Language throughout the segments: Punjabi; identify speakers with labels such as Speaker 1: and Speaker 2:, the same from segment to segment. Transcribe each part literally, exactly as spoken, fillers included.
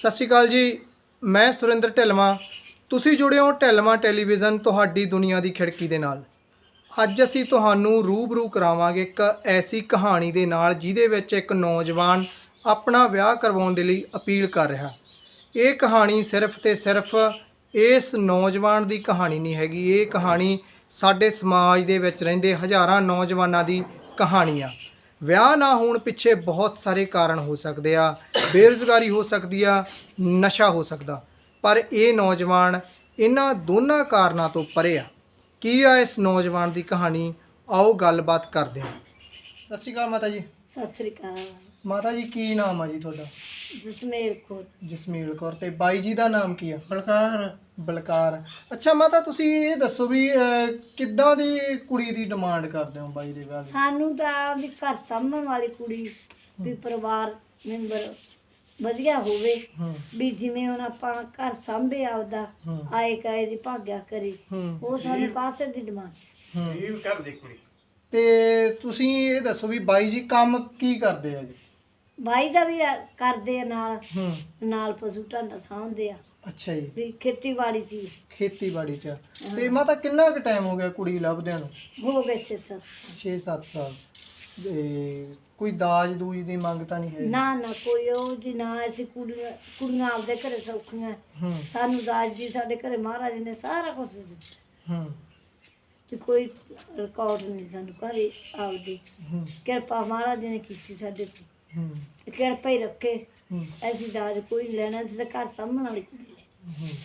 Speaker 1: ਸਤਿ ਸ਼੍ਰੀ ਅਕਾਲ ਜੀ। ਮੈਂ ਸੁਰਿੰਦਰ ਢਿੱਲਵਾਂ। ਤੁਸੀਂ ਜੁੜੇ ਹੋ ਢਿੱਲਵਾਂ ਟੈਲੀਵਿਜ਼ਨ, ਤੁਹਾਡੀ ਦੁਨੀਆ ਦੀ ਖਿੜਕੀ ਦੇ ਨਾਲ। ਅੱਜ ਅਸੀਂ ਤੁਹਾਨੂੰ ਰੂਬਰੂ ਕਰਾਵਾਂਗੇ ਇੱਕ ਐਸੀ ਕਹਾਣੀ ਦੇ ਨਾਲ ਜਿਹਦੇ ਵਿੱਚ ਇੱਕ ਨੌਜਵਾਨ ਆਪਣਾ ਵਿਆਹ ਕਰਵਾਉਣ ਦੇ ਲਈ ਅਪੀਲ ਕਰ ਰਿਹਾ। ਇਹ ਕਹਾਣੀ ਸਿਰਫ ਤੇ ਸਿਰਫ ਇਸ ਨੌਜਵਾਨ ਦੀ ਕਹਾਣੀ ਨਹੀਂ ਹੈਗੀ, ਇਹ ਕਹਾਣੀ ਸਾਡੇ ਸਮਾਜ ਦੇ ਵਿੱਚ ਰਹਿੰਦੇ ਹਜ਼ਾਰਾਂ ਨੌਜਵਾਨਾਂ ਦੀ ਕਹਾਣੀ ਆ। ਵਿਆਹ ਨਾ ਹੋਣ ਪਿੱਛੇ ਬਹੁਤ ਸਾਰੇ ਕਾਰਨ ਹੋ ਸਕਦੇ ਆ, ਬੇਰੁਜ਼ਗਾਰੀ ਹੋ ਸਕਦੀ ਆ, ਨਸ਼ਾ ਹੋ ਸਕਦਾ, ਪਰ ਇਹ ਨੌਜਵਾਨ ਇਹਨਾਂ ਦੋਨਾਂ ਕਾਰਨਾਂ ਤੋਂ ਪਰੇ ਆ। ਕੀ ਆ ਇਸ ਨੌਜਵਾਨ ਦੀ ਕਹਾਣੀ, ਆਓ ਗੱਲਬਾਤ ਕਰਦੇ ਹਾਂ। ਸਤਿ ਸ਼੍ਰੀ ਅਕਾਲ ਮਾਤਾ ਜੀ।
Speaker 2: ਸਤਿ ਸ੍ਰੀ ਅਕਾਲ।
Speaker 1: ਮਾਤਾ ਜੀ ਕੀ ਨਾਮ ਆ ਜੀ ਤੁਹਾਡਾ?
Speaker 2: ਜਸਮੇਲ ਕੌਰ।
Speaker 1: ਜਸਮੇਲ ਕੌਰ। ਤੇ ਬਾਈ ਜੀ ਦਾ ਨਾਮ ਕੀ ਆ? ਬਲਕਾਰ। ਬਲਕਾਰ। ਅੱਛਾ ਮਾਤਾ, ਤੁਸੀਂ ਇਹ ਦੱਸੋ ਵੀ ਅਹ, ਕਿੱਦਾਂ ਦੀ ਕੁੜੀ ਦੀ ਡਿਮਾਂਡ ਕਰਦੇ ਹੋ ਬਾਈ ਦੇ ਵਿਆਹ ਦੀ?
Speaker 2: ਸਾਨੂੰ ਤਾਂ ਵੀ ਘਰ ਸਾਂਭਣ ਵਾਲੀ ਕੁੜੀ, ਵੀ ਪਰਿਵਾਰ ਮੈਂਬਰ ਵਧੀਆ ਹੋਵੇ,
Speaker 1: ਹੂੰ
Speaker 2: ਵੀ ਜਿਵੇਂ ਹੁਣ ਆਪਾਂ ਘਰ ਸਾਂਭੇ ਆਪਦਾ,
Speaker 1: ਹੂੰ
Speaker 2: ਆਏ ਕਾਏ ਦੀ ਭਾਗਿਆ ਕਰੇ,
Speaker 1: ਹੂੰ
Speaker 2: ਉਹ ਸਾਨੂੰ ਕਾਸੇ ਦੀ ਡਿਮਾਂਡ।
Speaker 1: ਹੂੰ ਇਹ ਕਰ ਦੇ ਕੁੜੀ। ਤੇ ਤੁਸੀਂ ਇਹ ਦੱਸੋ ਵੀ ਬਾਈ ਜੀ ਕੰਮ ਕੀ ਕਰਦੇ ਆ ਜੀ?
Speaker 2: ਭਾਈ ਦਾ ਵੀ ਆ- ਕਰਦੇ ਆ, ਨਾਲ
Speaker 1: ਹੂੰ
Speaker 2: ਨਾਲ ਪਸ਼ੂ ਢਾਂਡਾ ਸਾਂਭਦੇ ਆ,
Speaker 1: ਅੱਛਾ ਜੀ।
Speaker 2: ਵੀ ਖੇਤੀਬਾੜੀ ਸੀ।
Speaker 1: ਖੇਤੀਬਾੜੀ ਚ। ਤੇ ਮਾਤਾ ਕਿੰਨਾ ਕੁ ਟਾਈਮ ਹੋ ਗਿਆ ਕੁੜੀ ਲੱਭਦਿਆਂ ਨੂੰ?
Speaker 2: ਹੋ ਗਏ ਛੇ ਸੱਤ।
Speaker 1: ਛੇ ਸੱਤ ਸਾਲ। ਤੇ ਕੋਈ ਦਾਜ ਦੂਜ ਦੀ ਮੰਗ ਤਾਂ ਨਹੀਂ ਹੈ?
Speaker 2: ਨਾ ਨਾ ਕੋਈ ਉਹ ਜੀ ਨਾ, ਅਸੀਂ ਕੁੜੀਆਂ ਕੁੜੀਆਂ ਆਪਦੇ ਘਰੇ ਸੌਖੀਆਂ,
Speaker 1: ਹੂੰ
Speaker 2: ਸਾਨੂੰ ਦਾਜ ਜੀ ਸਾਡੇ ਘਰੇ ਮਹਾਰਾਜ ਨੇ ਸਾਰਾ ਕੁਝ ਦਿੱਤਾ,
Speaker 1: ਹੂੰ
Speaker 2: ਤੇ ਕੋਈ ਰਿਕਾਰਡ ਨਹੀਂ ਸਾਨੂੰ ਘਰੇ ਆਪਦੀ।
Speaker 1: ਹੂੰ
Speaker 2: ਕਿਰਪਾ ਮਹਾਰਾਜ ਨੇ ਕੀਤੀ ਸਾਡੇ ਤੇ,
Speaker 1: ਹੂੰ
Speaker 2: ਤੇ ਕਿਰਪਾ ਹੀ ਰੱਖੇ।
Speaker 1: ਹੂੰ
Speaker 2: ਅਸੀਂ ਦਾਜ ਕੋਈ ਨਹੀਂ ਲੈਣਾ, ਅਸੀਂ ਤਾਂ ਘਰ ਸਾਂਭਣ ਵਾਲੀ ਕੁੜੀ ਲੈ।
Speaker 1: ਹੂੰ।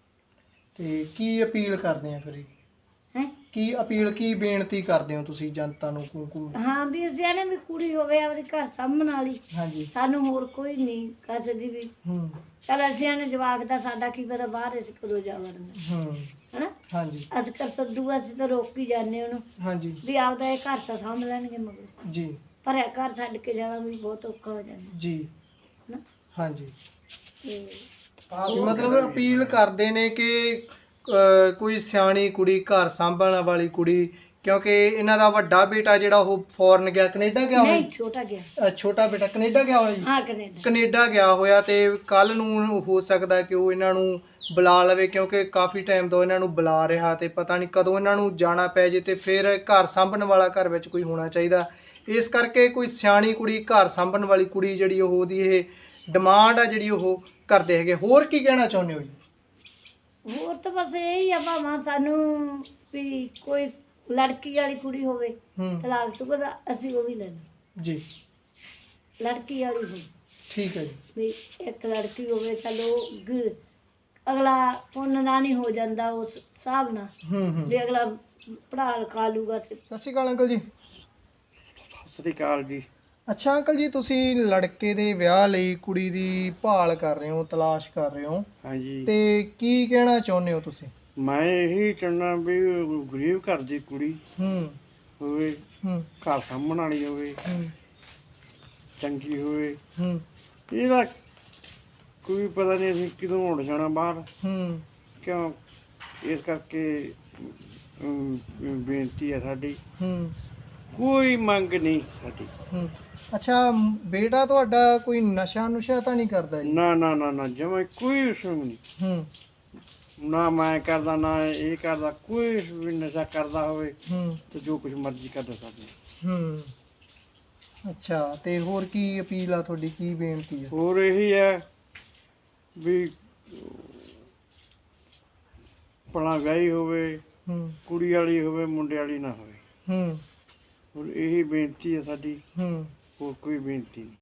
Speaker 1: ਤੇ ਕੀ ਅਪੀਲ ਕਰਦੇ ਆ ਫਿਰ?
Speaker 2: ਹੈ
Speaker 1: ਕੀ ਅਪੀਲ, ਕੀ ਬੇਨਤੀ ਕਰਦੇ ਹੋ ਤੁਸੀਂ ਜਨਤਾ ਨੂੰ? ਕੂ ਕੂ
Speaker 2: ਹਾਂ, ਵੀ ਅਸੀਂ ਇਹਨੇ ਵੀ ਕੁੜੀ ਹੋਵੇ ਆਪਦੇ ਘਰ ਸਾਂਭਣ ਵਾਲੀ,
Speaker 1: ਹਾਂਜੀ।
Speaker 2: ਸਾਨੂੰ ਹੋਰ ਕੋਈ ਨਹੀਂ ਕਿਸੇ ਦੀ ਵੀ।
Speaker 1: ਹੂੰ
Speaker 2: ਚਲ ਅਸੀਂ ਇਹਨੇ ਜਵਾਕ ਦਾ, ਸਾਡਾ ਕੀ ਪਤਾ ਬਾਹਰ ਅਸੀਂ ਕਦੋਂ ਜਾ ਵੜਨਾ,
Speaker 1: ਹੂੰ
Speaker 2: ਹਨਾ।
Speaker 1: ਹਾਂਜੀ
Speaker 2: ਅੱਜ ਕੱਲ੍ਹ ਸੱਦੂ ਅਸੀਂ ਤਾਂ ਰੋਕ ਹੀ ਜਾਂਦੇ ਉਹਨੂੰ,
Speaker 1: ਹਾਂਜੀ
Speaker 2: ਵੀ ਆਪਦਾ ਇਹ ਘਰ ਤਾਂ ਸਾਂਭ ਲੈਣਗੇ, ਮਗਰ
Speaker 1: ਜੀ
Speaker 2: ਪਰ ਇਹ ਘਰ ਛੱਡ ਕੇ ਜਾਣਾ ਵੀ ਬਹੁਤ ਔਖਾ ਹੋ ਜਾਂਦਾ,
Speaker 1: ਜੀ
Speaker 2: ਹਨਾ।
Speaker 1: ਹਾਂਜੀ।
Speaker 2: ਤੇ
Speaker 1: ਵੀ ਮਤਲਬ ਅਪੀਲ ਕਰਦੇ ਨੇ ਕਿ ਅਹ, ਕੋਈ ਸਿਆਣੀ ਕੁੜੀ, ਘਰ ਸਾਂਭਣ ਵਾਲੀ ਕੁੜੀ, ਕਿਉਂਕਿ ਇਹਨਾਂ ਦਾ ਵੱਡਾ ਬੇਟਾ ਜਿਹੜਾ ਉਹ ਫੋਰਨ ਗਿਆ, ਕੈਨੇਡਾ ਗਿਆ ਹੋਇਆ।
Speaker 2: ਨਹੀਂ, ਛੋਟਾ ਗਿਆ।
Speaker 1: ਅਹ, ਛੋਟਾ ਬੇਟਾ ਕੈਨੇਡਾ ਗਿਆ ਹੋਇਆ ਜੀ।
Speaker 2: ਹਾਂ, ਕੈਨੇਡਾ।
Speaker 1: ਕੈਨੇਡਾ ਗਿਆ ਹੋਇਆ ਤੇ ਕੱਲ ਨੂੰ ਹੋ ਸਕਦਾ ਕਿ ਉਹ ਇਹਨਾਂ ਨੂੰ ਬੁਲਾ ਲਵੇ, ਕਿਉਂਕਿ ਕਾਫੀ ਟਾਈਮ ਤੋਂ ਇਹਨਾਂ ਨੂੰ ਬੁਲਾ ਰਿਹਾ ਤੇ ਪਤਾ ਨਹੀਂ ਕਦੋਂ ਇਹਨਾਂ ਨੂੰ ਜਾਣਾ ਪੈ ਜੇ। ਤੇ ਫਿਰ ਘਰ ਸਾਂਭਣ ਵਾਲਾ ਘਰ ਵਿੱਚ ਕੋਈ ਹੋਣਾ ਚਾਹੀਦਾ, ਇਸ ਕਰਕੇ ਕੋਈ ਸਿਆਣੀ ਕੁੜੀ, ਘਰ ਸਾਂਭਣ ਵਾਲੀ ਕੁੜੀ ਜਿਹੜੀ ਉਹ ਉਹਦੀ ਇਹ ਡਿਮਾਂਡ ਆ ਜਿਹੜੀ ਉਹ ਕਰਦੇ ਹੈਗੇ। ਹੋਰ ਕੀ ਕਹਿਣਾ ਚਾਹੁੰਦੇ ਹੋ ਜੀ?
Speaker 2: ਹੋਰ ਤਾਂ ਬਸ ਇਹੀ ਆ ਭਾਵਾਂ ਸਾਨੂੰ ਵੀ ਕੋਈ ਲੜਕੀ ਵਾਲੀ ਕੁੜੀ ਹੋਵੇ,
Speaker 1: ਹੂੰ
Speaker 2: ਤਲਾਕ ਸ਼ੁਦਾ ਦਾ, ਅਸੀਂ ਉਹ ਵੀ ਲੈਣਾ।
Speaker 1: ਜੀ
Speaker 2: ਲੜਕੀ ਵਾਲੀ ਹੋਵੇ,
Speaker 1: ਠੀਕ ਹੈ ਜੀ।
Speaker 2: ਵੀ ਇੱਕ ਲੜਕੀ ਹੋਵੇ, ਚਲੋ ਗ- ਅਗਲਾ ਪੁੰਨਦਾਨੀ ਹੋ ਜਾਂਦਾ ਉਸ ਹਿਸਾਬ ਨਾਲ,
Speaker 1: ਹੂੰ ਹੂੰ
Speaker 2: ਵੀ ਅਗਲਾ ਪੜ੍ਹਾ ਲਿਖਾ ਲੂਗਾ ਤੇ।
Speaker 1: ਸਤਿ ਸ਼੍ਰੀ ਅਕਾਲ ਅੰਕਲ ਜੀ।
Speaker 3: ਸਤਿ ਸ੍ਰੀ ਅਕਾਲ ਜੀ।
Speaker 1: ਅੱਛਾ ਅੰਕਲ ਜੀ, ਤੁਸੀਂ ਲੜਕੇ ਦੇ ਵਿਆਹ ਲਈ ਕੁੜੀ ਦੀ ਭਾਲ ਕਰ ਰਹੇ ਹੋ, ਤਲਾਸ਼ ਕਰ ਰਹੇ ਹੋ,
Speaker 3: ਹਾਂਜੀ,
Speaker 1: ਤੇ ਕੀ ਕਹਿਣਾ ਚਾਹੁੰਦੇ ਹੋ ਤੁਸੀਂ?
Speaker 3: ਮੈਂ ਇਹੀ ਚਾਹੁੰਦਾ ਵੀ ਗਰੀਬ ਘਰ ਦੀ ਕੁੜੀ
Speaker 1: ਹੂੰ
Speaker 3: ਹੋਵੇ,
Speaker 1: ਹੂੰ
Speaker 3: ਘਰ ਸਾਂਭਣ ਵਾਲੀ ਹੋਵੇ,
Speaker 1: ਹੂੰ
Speaker 3: ਚੰਗੀ ਹੋਵੇ।
Speaker 1: ਹੂੰ
Speaker 3: ਇਹਦਾ ਕੋਈ ਪਤਾ ਨਹੀਂ ਅਸੀਂ ਕਦੋਂ ਉੱਡ ਜਾਣਾ ਬਾਹਰ,
Speaker 1: ਹੂੰ
Speaker 3: ਕਿਉਂ? ਇਸ ਕਰਕੇ ਅਮ, ਬੇਨਤੀ ਹੈ ਸਾਡੀ,
Speaker 1: ਹੂੰ
Speaker 3: ਕੋਈ ਮੰਗ ਨਹੀਂ ਸਾਡੀ।
Speaker 1: ਹੂੰ। ਅੱਛਾ, ਮ- ਬੇਟਾ ਤੁਹਾਡਾ ਕੋਈ ਨਸ਼ਾ ਨੁਸ਼ਾ ਤਾਂ ਨਹੀਂ ਕਰਦਾ ਜੀ?
Speaker 3: ਨਾ ਨਾ ਨਾ ਨਾ, ਜਮਾਂ ਕੋਈ ਉਸਮ ਨਹੀਂ,
Speaker 1: ਹੂੰ
Speaker 3: ਨਾ ਮੈਂ ਕਰਦਾ ਨਾ ਇਹ ਕਰਦਾ, ਕੋਈ ਵੀ ਨਸ਼ਾ ਕਰਦਾ ਹੋਵੇ
Speaker 1: ਹੂੰ
Speaker 3: ਤੇ ਜੋ ਕੁਝ ਮਰਜ਼ੀ ਕਰਦਾ ਸਾਡੇ।
Speaker 1: ਹੂੰ। ਅੱਛਾ, ਤੇ ਹੋਰ ਕੀ ਅਪੀਲ ਆ ਤੁਹਾਡੀ, ਕੀ ਬੇਨਤੀ ਹੈ?
Speaker 3: ਹੋਰ ਇਹੀ ਹੈ ਵੀ ਭਲਾ ਵਿਆਹੀ ਹੋਵੇ,
Speaker 1: ਹੂੰ
Speaker 3: ਕੁੜੀ ਵਾਲੀ ਹੋਵੇ, ਮੁੰਡੇ ਵਾਲੀ ਨਾ ਹੋਵੇ।
Speaker 1: ਹੂੰ
Speaker 3: ਹੋਰ ਇਹੀ ਬੇਨਤੀ ਹੈ ਸਾਡੀ,
Speaker 1: ਹੂੰ।
Speaker 3: ਹੋਰ ਕੋਈ ਬੇਨਤੀ ਨਹੀਂ।